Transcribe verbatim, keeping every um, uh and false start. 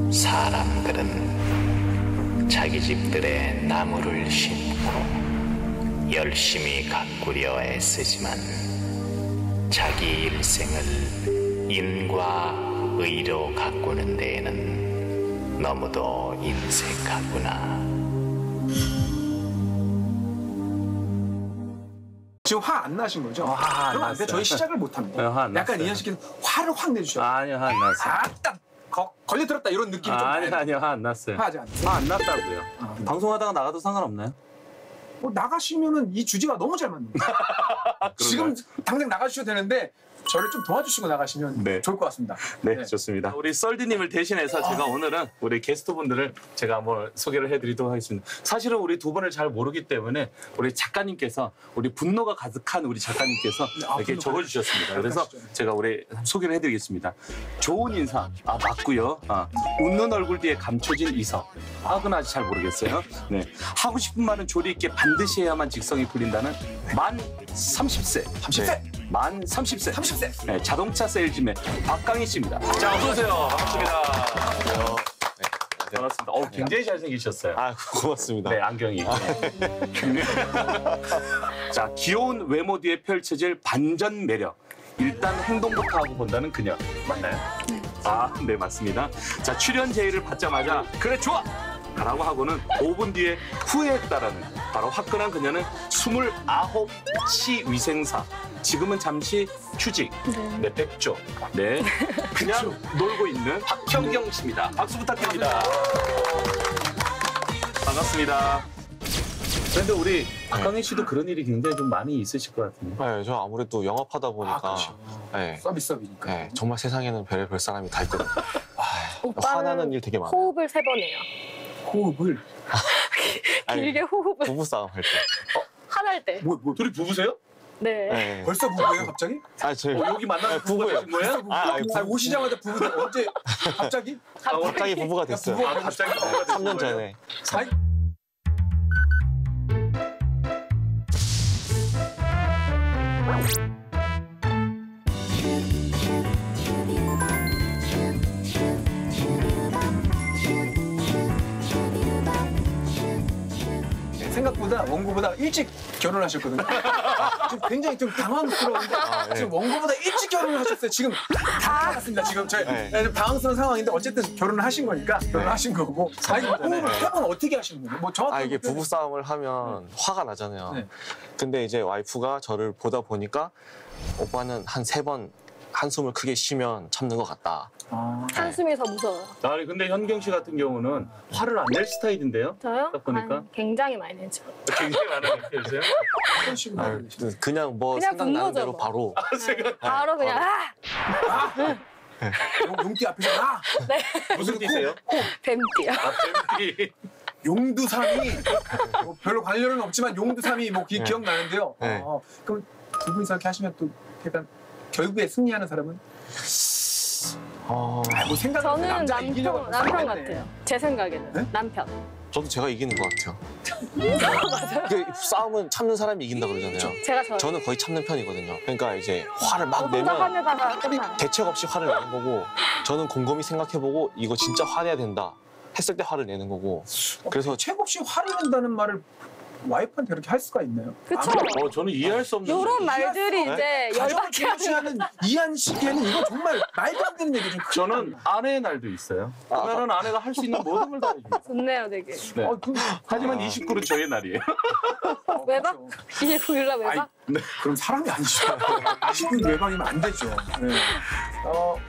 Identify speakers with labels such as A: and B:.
A: 사람들은 자기 집들에 나무를 심고 열심히 가꾸려 애쓰지만 자기 일생을 인과 의로 가꾸는 데에는 너무도 인색하구나.
B: 지금 화 안 나신 거죠?
C: 어, 화안
B: 그럼 안 돼.
C: 났어요.
B: 저희 시작을 못 합니다.
C: 네, 화안
B: 약간
C: 났어요.
B: 이현 씨께서 화를 확 내주셔요.
C: 아니요, 화 안 났어요.
B: 아딱 걸려들었다 이런 느낌이 좀
C: 아니요,
B: 나요.
C: 아니요, 화 안 났어요.
B: 화하지 않으세요?
C: 화 안 났다고요.
B: 아,
C: 방송하다가 나가도 상관없나요?
B: 뭐 나가시면은 이 주제가 너무 잘 맞는다. 지금 당장 나가주셔도 되는데 저를 좀 도와주시고 나가시면
C: 네.
B: 좋을 것 같습니다.
C: 네,
B: 네.
C: 좋습니다. 우리 썰디님을 대신해서 제가 오늘은 우리 게스트분들을 제가 한번 소개를 해드리도록 하겠습니다. 사실은 우리 두 분을 잘 모르기 때문에 우리 작가님께서 우리 분노가 가득한 우리 작가님께서
B: 아,
C: 이렇게
B: 분노가
C: 적어주셨습니다. 그래서
B: 가득하시죠.
C: 제가 우리 소개를 해드리겠습니다. 좋은 인사, 아 맞고요. 아, 웃는 얼굴 뒤에 감춰진 이성. 아, 그건 아직 잘 모르겠어요. 네, 하고 싶은 말은 조리 있게 반드시 해야만 직성이 풀린다는 만 삼십 세.
B: 삼십 세.
C: 네, 만 삼십 세.
B: 삼십 세.
C: 네, 자동차 세일즈맨 박강희 씨입니다. 자, 어서 오세요. 반갑습니다.
D: 안녕하세요.
C: 반갑습니다. 어, 굉장히 잘생기셨어요.
D: 아, 고맙습니다.
C: 네, 안경이. 네. 자, 귀여운 외모 뒤에 펼쳐질 반전 매력. 일단 행동부터 하고 본다는 그녀. 맞나요? 아, 네, 맞습니다. 자, 출연 제의를 받자마자 그래, 좋아! 라고 하고는 오 분 뒤에 후회했다라는 바로 화끈한 그녀는 스물아홉 치 위생사. 지금은 잠시 휴직. 네, 백조. 네. 그냥 놀고 있는 박현경 씨입니다. 박수 부탁드립니다. 반갑습니다. 그런데 우리 박강희 씨도 그런 일이 굉장히 좀 많이 있으실 것 같은데.
D: 네, 저 아무래도 영업하다 보니까
B: 아, 그렇죠.
D: 네,
B: 서비스업이니까.
D: 네, 정말 세상에는 별의별 사람이 다 있거든요.
E: 오빠는
D: 화나는 일 되게 많아요.
E: 호흡을 세 번 해요.
B: 호흡을
D: 아니,
E: 길게 호흡을
D: 부부싸움 할 때.
E: 화날 때.
B: 뭐, 뭐
C: 둘이 부부세요?
E: 네.
D: 네.
B: 벌써 부부예요 갑자기?
D: 아, 저희
C: 어, 여기 만나서
D: 네,
C: 부부가
D: 부부예요.
C: 되신 거예요?
B: 부부.
D: 아, 아니,
B: 아, 오시자마자 부부 언제 갑자기?
C: 아,
D: 갑자기 부부가 됐어요.
B: 부부가
C: 아, 갑자기 부부가 되신
D: 삼 년
C: 거예요?
D: 전에.
B: 아니, 생각보다 원고보다 일찍 결혼하셨거든요. 지금 굉장히 좀 당황스러운데
D: 네.
B: 지금 원고보다 일찍 결혼을 하셨어요. 지금 다 나갔습니다. 지금 저희
D: 네.
B: 좀 당황스러운 상황인데 어쨌든 결혼을 하신 거니까 결혼하신 거고. 아니 호흡을
D: 네.
B: 세 번 어떻게 하시는 거예요? 뭐 정확하게
D: 아, 이게
B: 표현해
D: 부부싸움을 하면 화가 나잖아요.
B: 네.
D: 근데 이제 와이프가 저를 보다 보니까 오빠는 한 세 번 한숨을 크게 쉬면 참는 것 같다.
B: 아,
E: 한숨이 더 무서워요.
C: 아니, 근데 현경 씨 같은 경우는 화를 안 낼 스타일인데요?
E: 저요?
C: 딱 보니까.
E: 아, 굉장히 많이 내죠.
C: 굉장히 많이 느껴지세요?
B: 어떤 식으로
D: 아,
B: 하고 계시나요?
D: 그냥 뭐
E: 그냥
D: 생각나는
E: 분노죠,
D: 대로
E: 뭐.
D: 바로.
E: 네. 바로 그냥 아!
B: 용- 용띠 앞에서 나
C: 무슨 띠세요?
E: 뱀띠요.
C: 아, 뱀띠.
B: 용두삼이 뭐 별로 관련은 없지만 용두삼이 뭐 기,
D: 네.
B: 기억나는데요.
D: 네.
B: 어, 그럼 두 분이서 이렇게 하시면 또 약간 결국에 승리하는 사람은
D: 어,
B: 아, 뭐 생각
E: 저는
B: 남자 이기려고
E: 남편, 남편
B: 생각했네.
E: 같아요. 제 생각에는.
B: 네?
E: 남편.
D: 저도 제가 이기는 것 같아요. 그 싸움은 참는 사람이 이긴다 그러잖아요.
E: 제가 저
D: 저는 거의 참는 편이거든요. 그러니까 이제 화를 막
E: 혼자
D: 내면
E: 화내다가 끝나요.
D: 대책 없이 화를 내는 거고 저는 곰곰이 생각해보고 이거 진짜 화내야 된다 했을 때 화를 내는 거고 그래서
B: 책 없이 화를 낸다는 말을 와이프한테 그렇게 할 수가 있나요?
E: 그쵸?
B: 아무리
C: 어, 저는 이해할 수 없는.
E: 요런 말들이
D: 네?
E: 이제
B: 가정을
E: 열받게 하는.
B: 중시하는 이한 씨에는 이거 정말 말도 안 되는 얘기죠.
C: 저는 아내의 날도 있어요. 그러면 아내가 할 수 있는 모든 걸 다 해줍니다.
E: 좋네요, 되게.
C: 네.
B: 어, 그,
C: 하지만 이십구는 저의 날이에요.
B: 어,
E: 외박?
B: 그렇죠.
E: 이십구 일 날 외박?
B: 아이, 그럼 사람이 아니죠. 이십구 일 외박이면 안 되죠. 네. 어,